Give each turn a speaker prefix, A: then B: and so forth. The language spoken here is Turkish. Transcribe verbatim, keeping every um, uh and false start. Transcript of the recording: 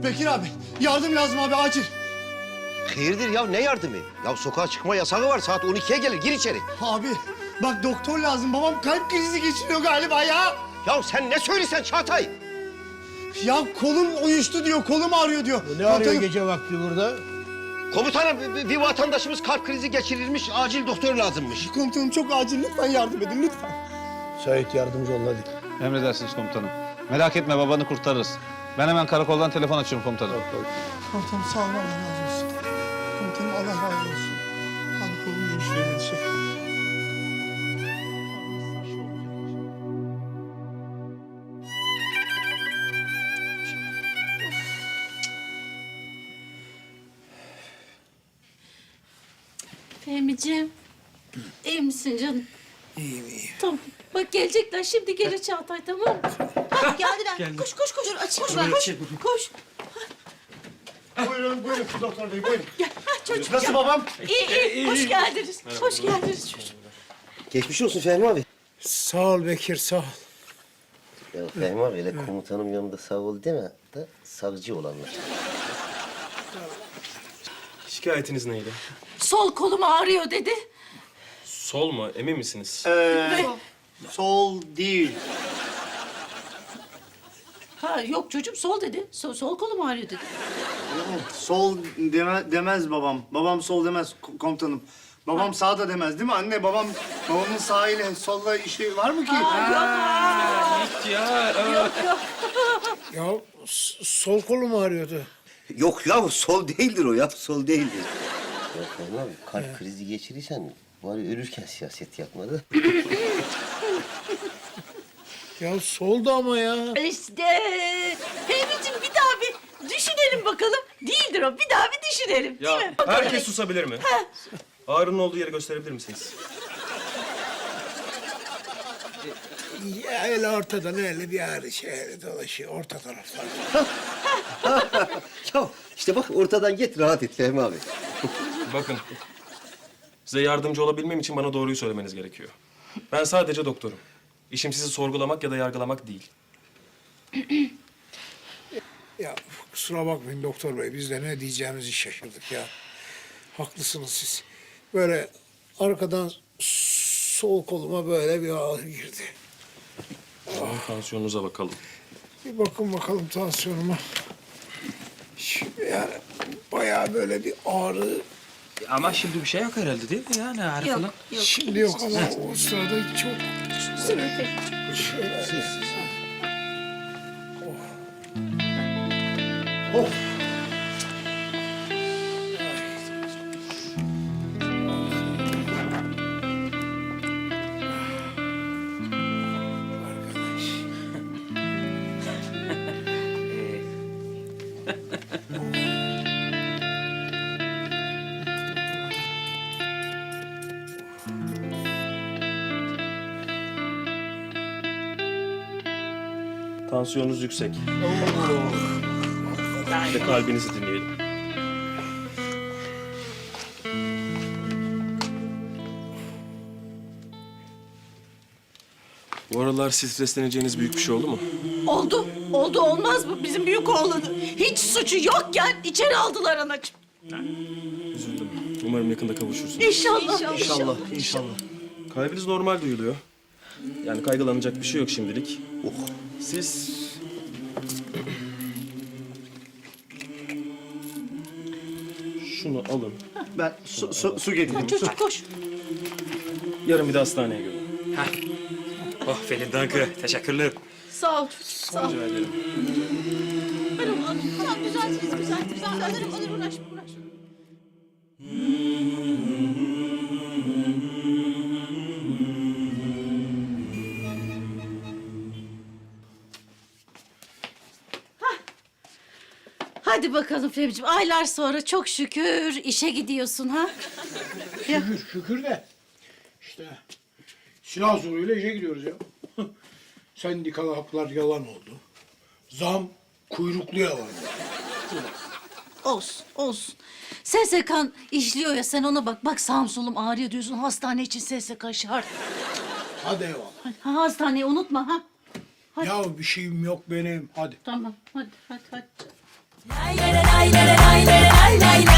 A: Bekir abi, yardım lazım abi, acil.
B: Hayırdır ya, ne yardımı? Ya sokağa çıkma yasağı var, saat on ikiye gelir, gir içeri.
A: Abi, bak doktor lazım. Babam kalp krizi geçiriyor galiba ya.
B: Ya sen ne söylesen Çağatay?
A: Ya kolum uyuştu diyor, kolum ağrıyor diyor.
C: Ne arıyor
A: Komutanım,
C: gece vakti burada?
B: Komutanım, bir, bir vatandaşımız kalp krizi geçirilmiş, acil doktor lazımmış.
A: Komutanım çok acil, lütfen yardım edin, lütfen.
C: Sait yardımcı olun hadi.
D: Emredersiniz komutanım. Merak etme, babanı kurtarırız. Ben hemen karakoldan telefon açıyorum komutanım.
A: Komutanım sağ olun, Allah razı olsun. Komutanım Allah razı olsun. Abi kolum uyuşuyor dedi şey.
E: Fehmi'ciğim, iyi misin canım?
C: İyiyim iyiyim.
E: Tamam. Bak gelecekler, şimdi gelir Çağatay, tamam mı? Hah, geldiler. Koş, koş, koş. Aç, koş, koş, koş.
A: Buyurun, buyurun doktor bey, buyurun.
E: Gel, ha çocuğum.
A: Nasıl
E: gel.
A: babam?
E: İyi, iyi. Hoş geldiniz. Hoş geldiniz çocuğum.
B: Geçmiş olsun Fehmi abi.
C: Sağ ol Bekir sağ ol.
B: Ya Fehmi abi, öyle komutanım yanında sağ ol deme da savcı olanlar.
F: Şikayetiniz neydi?
E: Sol kolum ağrıyor dedi.
F: Sol mu? Emin misiniz?
A: Ee, sol değil.
E: Ha yok çocuğum, sol dedi. Sol, sol kolum ağrıyor dedi.
A: Sol deme, demez babam. Babam sol demez ko- komutanım. Babam sağ da demez değil mi anne? Babam babamın sağ ile solla işi var mı ki?
C: Ya s- sol kolum ağrıyordu.
B: Yok ya, sol değildir o ya, sol değildir. Ya Fehmi abi, kalp krizi geçirirsen bari ölürken siyaset yapmadı.
C: Ya soldu ama ya.
E: İşte. Fehmi'ciğim bir daha bir düşünelim bakalım. Değildir o. Bir daha bir düşünelim.
F: Ya
E: Değil mi?
F: herkes susabilir mi? Ağrının olduğu yeri gösterebilir misiniz?
C: Ya öyle ortadan öyle bir ağrı şey öyle dolaşıyor orta taraflar.
B: Ya işte bak, ortadan git, rahat et Fehmi abi.
F: Bakın. Size yardımcı olabilmem için bana doğruyu söylemeniz gerekiyor. Ben sadece doktorum. İşim sizi sorgulamak ya da yargılamak değil.
C: Ya kusura bakmayın doktor bey biz de ne diyeceğimizi şaşırdık ya. Haklısınız siz. Böyle arkadan sol koluma böyle bir ağrı girdi.
F: Tansiyonunuza bakalım.
C: Bir bakın bakalım tansiyonuma. Şimdi yani bayağı böyle bir ağrı.
G: Ama şimdi bir şey yok herhalde değil mi yani ağrı
E: Yok,
G: falan?
E: yok.
C: Şimdi yok ama o sırada çok
E: Sınıf.
C: şöyle. Arkadaş.
F: Tansiyonunuz yüksek. Bir de kalbinizi dinleyelim. Bu aralar stresleneceğiniz büyük bir şey oldu mu?
E: Oldu. Oldu, olmaz mı? Bizim büyük oğlanı. Hiç suçu yokken içeri aldılar anacığım.
F: Üzüldüm. Umarım yakında kavuşursunuz.
E: İnşallah. İnşallah.
A: İnşallah.
F: Kalbiniz normal duyuluyor. Yani kaygılanacak bir şey yok şimdilik. Oh. Siz... Şunu alın.
A: Ben su, su, su getireyim.
E: Çocuk koş.
F: Yarın bir de hastaneye görün.
G: Oh Pelin Dankı, teşekkürler.
E: Sağ ol. Sağ ol.
F: Rica ederim.
E: Alırım, alırım. Tamam, düzeltiriz, düzeltiriz. Alırım, alırım. Uğraşma, uğraşma. Hadi bakalım Fehmi'ciğim. Aylar sonra çok şükür işe gidiyorsun ha.
C: Şükür, şükür de. İşte silah zoruyla işe gidiyoruz ya. Sendikalı haklar yalan oldu. Zam kuyruklu yalan.
E: Olsun, olsun. S S K'n işliyor ya, sen ona bak. Bak sağım solum ağrıyor diyorsun. Hastane için S S K şart.
C: Hadi eyvallah.
E: Ha, hastaneyi unutma ha. Hadi.
C: Ya bir şeyim yok benim. Hadi.
E: Tamam, hadi, hadi, hadi.
H: lay lay lay lay lay lay lay